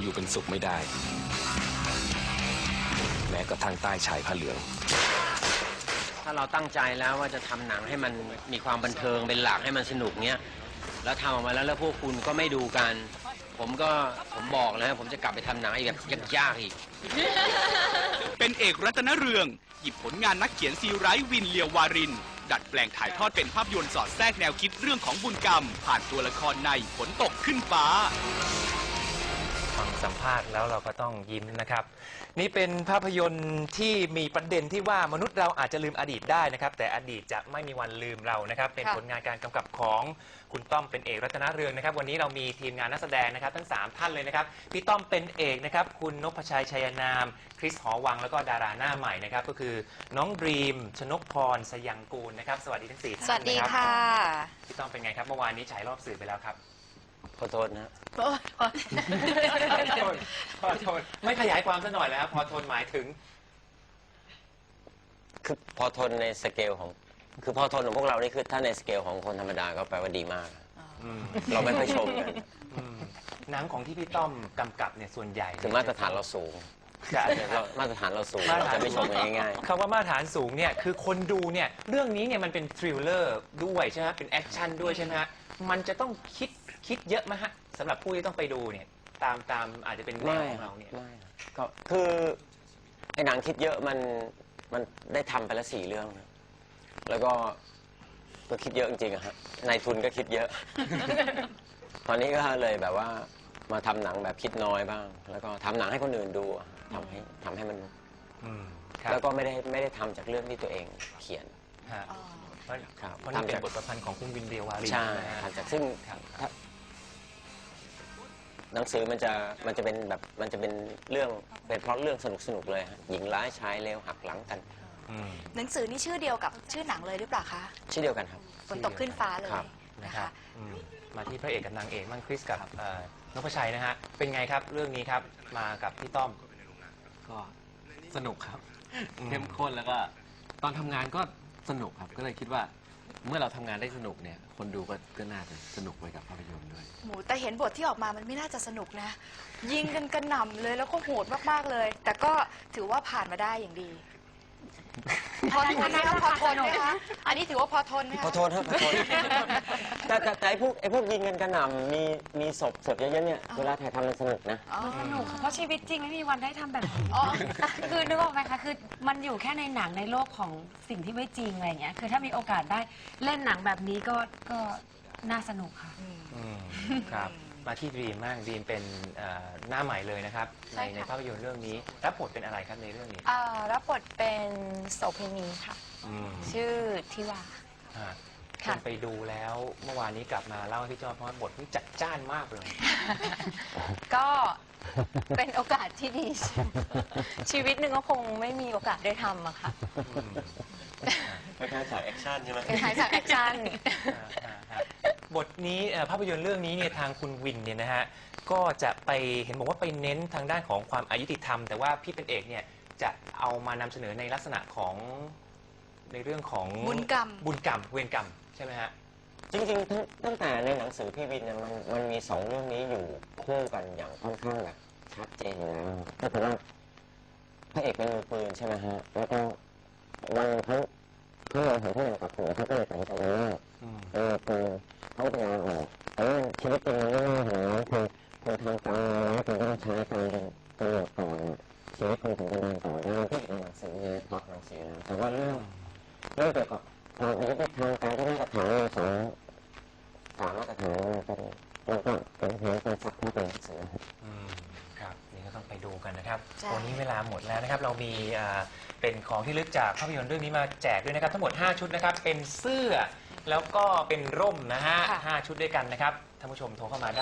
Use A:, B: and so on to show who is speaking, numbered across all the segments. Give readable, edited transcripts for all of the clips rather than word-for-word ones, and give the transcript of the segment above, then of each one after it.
A: อยู่เป็นสุขไม่ได้แม้กระทั่งใต้ชายผ้าเหลือง
B: ถ้าเราตั้งใจแล้วว่าจะทำหนังให้มันมีความบันเทิงเป็นหลักให้มันสนุกเนี้ยแล้วทำออกมาแล้วพวกคุณก็ไม่ดูกันผมบอกเลยผมจะกลับไปทำหนังอีกแบบยากๆอีก
C: เป็นเอกรัตนเรืองหยิบผลงานนักเขียนซีไรต์วินเลียววารินดัดแปลงถ่ายทอดเป็นภาพยนตร์สอดแทรกแนวคิดเรื่องของบุญกรรมผ่านตัวละครในฝนตกขึ้นฟ้า
D: ฟังสัมภาษณ์แล้วเราก็ต้องยิ้มนะครับนี่เป็นภาพยนตร์ที่มีประเด็นที่ว่ามนุษย์เราอาจจะลืมอดีตได้นะครับแต่อดีตจะไม่มีวันลืมเรานะครับเป็นผลงานการกำกับของคุณต้อมเป็นเอกรัตนเรืองนะครับวันนี้เรามีทีมงานนักแสดงนะครับทั้ง3ท่านเลยนะครับพี่ต้อมเป็นเอกนะครับคุณนพชัยชัยนามคริสหอวังแล้วก็ดาราหน้าใหม่นะครับก็คือน้องดรีมชนกพรสยังกูลนะครับสวัสดีทั้ง4ท่าน
E: สวัสดีค่ะ
D: พี่ต้อมเป็นไงครับเมื่อวานนี้ฉายรอบสื่อไปแล้วครับ
B: ขอโทษนะ
D: พอทนไม่ขยายความซะหน่อยแล้วครับพอทนหมายถึง
B: คือพอทนในสเกลของคือพอทนของพวกเรานี่คือถ้าในสเกลของคนธรรมดาก็แปลว่าดีมากเราไม่ค่อยชมกัน
D: หนังของที่พี่ต้อมกำกับเนี่ยส่วนใหญ่
B: คือมาตรฐานเราสูงมาตรฐานเราสูงเราจะไม่ชมง่าย
D: ๆคำว่ามาตรฐานสูงเนี่ยคือคนดูเนี่ยเรื่องนี้เนี่ยมันเป็นทริลเลอร์ด้วยใช่ไหมเป็นแอคชั่นด้วยใช่ไหมฮะมันจะต้องคิดเยอะไหมฮะสำหรับผู้ที่ต้องไปดูเนี่ยตามอาจจะเป็นแนวของเราเนี่ย
B: ก็คือไอ้หนังคิดเยอะมันได้ทำไปแล้ว4 เรื่องแล้วก็คิดเยอะจริงๆอะฮะนายทุนก็คิดเยอะ ตอนนี้ก็เลยแบบว่ามาทำหนังแบบคิดน้อยบ้าง แล้วก็ทำหนังให้คนอื่นดูทำให้มันแล้วก็ไม่ได้ทำจากเรื่องที่ตัวเองเขียน
D: เพราะนี่เป็นบทประพันธ์ของคุณวินเดียววารี
B: ใช่ทำจากซึ่งหนังสือมันจะเป็นแบบมันจะเป็นเรื่องเป็นเพราะเรื่องสนุกเลยหญิงร้ายชายเลวหักหลังกัน
E: หนังสือนี่ชื่อเดียวกับชื่อหนังเลยหรือเปล่าคะ
B: ชื่อเดียวกันครับ
E: ฝนตกขึ้นฟ้าเลย
D: นะคะมาที่พระเอกกับนางเอกมั่งคริสกับนพชัยนะฮะเป็นไงครับเรื่องนี้ครับมากับพี่ต้อม
F: ก็สนุกครับเข้มข้นแล้วก็ตอนทำงานก็สนุกครับก็เลยคิดว่าเมื่อเราทำงานได้สนุกเนี่ยคนดูก็น่าจะสนุกไปกับภาพยนตร์ด้วย
E: หมูแต่เห็นบทที่ออกมามันไม่น่าจะสนุกนะยิงกันกระหน่ำเลยแล้วก็โหดมากๆเลยแต่ก็ถือว่าผ่านมาได้อย่างดีพอทนนะคะพอทนนะคะอันนี้ถือว่าพอทนนะคะ
B: พอทนครับพอทนแต่ไอ้พวกยิงกันกระหน่ำมีศพเยอะๆเนี่ยเวลาถ่ายทำมันสนุกนะ
G: สนุกเพราะชีวิตจริงไม่มีวันได้ทำแบบนี้คือนึกออกไหมคะคือมันอยู่แค่ในหนังในโลกของสิ่งที่ไม่จริงอะไรเงี้ยคือถ้ามีโอกาสได้เล่นหนังแบบนี้ก็น่าสนุกค่ะ
D: ครับมาที่ดรีมมากดรีมเป็นหน้าใหม่เลยนะครับในภาพยนตร์เรื่องนี้รับบทเป็นอะไรครับในเรื่องนี้
H: รับบทเป็นโสเภณีค่ะชื่อทิวา
D: คนไปดูแล้วเมื่อวานนี้กลับมาเล่าให้พี่จอเพราะว่าบทนี่จัดจ้านมากเลย
H: ก็เป็นโอกาสที่ดีชีวิตหนึ่งก็คงไม่มีโอกาสได้ทำอะค่ะ
B: เป็นการฉากแอคชั่นใช่ไหม
H: เป็นฉากแอคชั่น
D: บทนี้ภาพยนตร์เรื่องนี้เนี่ยทางคุณวินเนี่ยนะฮะก็จะไปเห็นบอกว่าไปเน้นทางด้านของความอายุติธรรมแต่ว่าพี่เป็นเอกเนี่ยจะเอามานำเสนอในลักษณะของในเรื่องของ
E: บุญกรรม
D: เวรกรรมใช่ไหมฮะ
B: จริงๆตั้งแต่ในหนังสือพี่วินเนี่ยมันมี2 เรื่องนี้อยู่คู่กันอย่างค่อนข้างแบบชัดเจนแล้วก็คือว่าพระเอกเป็นมือปืนใช่ไหมฮะแล้วก็วันเขาเห็นที่หนังกับหัวเขาก็เลยตัดสินใจว่าคือเขาจะลาออกแต่ว่าชีวิตจริงมันไม่น่าเห็นนะคือทางการแล้วคือต้องใช้การเป็นตำรวจก่อนชีวิตคุณถึงจะเดินต่อได้ที่ในหนังสือเนี่ยเพราะหนังสือนะแต่ว่าเรื่องเกี่ยวกับความอายุติธรรมการที่มาตรฐาน3 มาตรฐานมันก็เป็นเหตุการณ์ซักที่เป็นหนังสือ
D: ครับนี่ก็ต้องไปดูกันนะครับวันนี้เวลาหมดแล้วนะครับเรามีเป็นของที่ลึกจากภาพยนตร์เรื่องนี้มาแจกด้วยนะครับทั้งหมด5 ชุดนะครับเป็นเสื้อแล้วก็เป็นร่มนะฮะ5 ชุดด้วยกันนะครับท่านผู้ชมโทรเข้ามาได้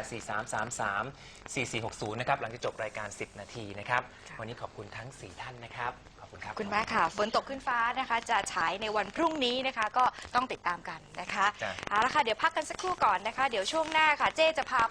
D: 0843334460 นะครับหลังจากจบรายการ 10 นาทีนะครับวันนี้ขอบคุณทั้ง4 ท่านนะครับขอบคุณครับ
E: คุณแม่ค่ะฝนตกขึ้นฟ้านะคะจะฉายในวันพรุ่งนี้นะคะก็ต้องติดตามกันนะคะเอาละค่ะเดี๋ยวพักกันสักครู่ก่อนนะคะเดี๋ยวช่วงหน้าค่ะเจ๊จะพา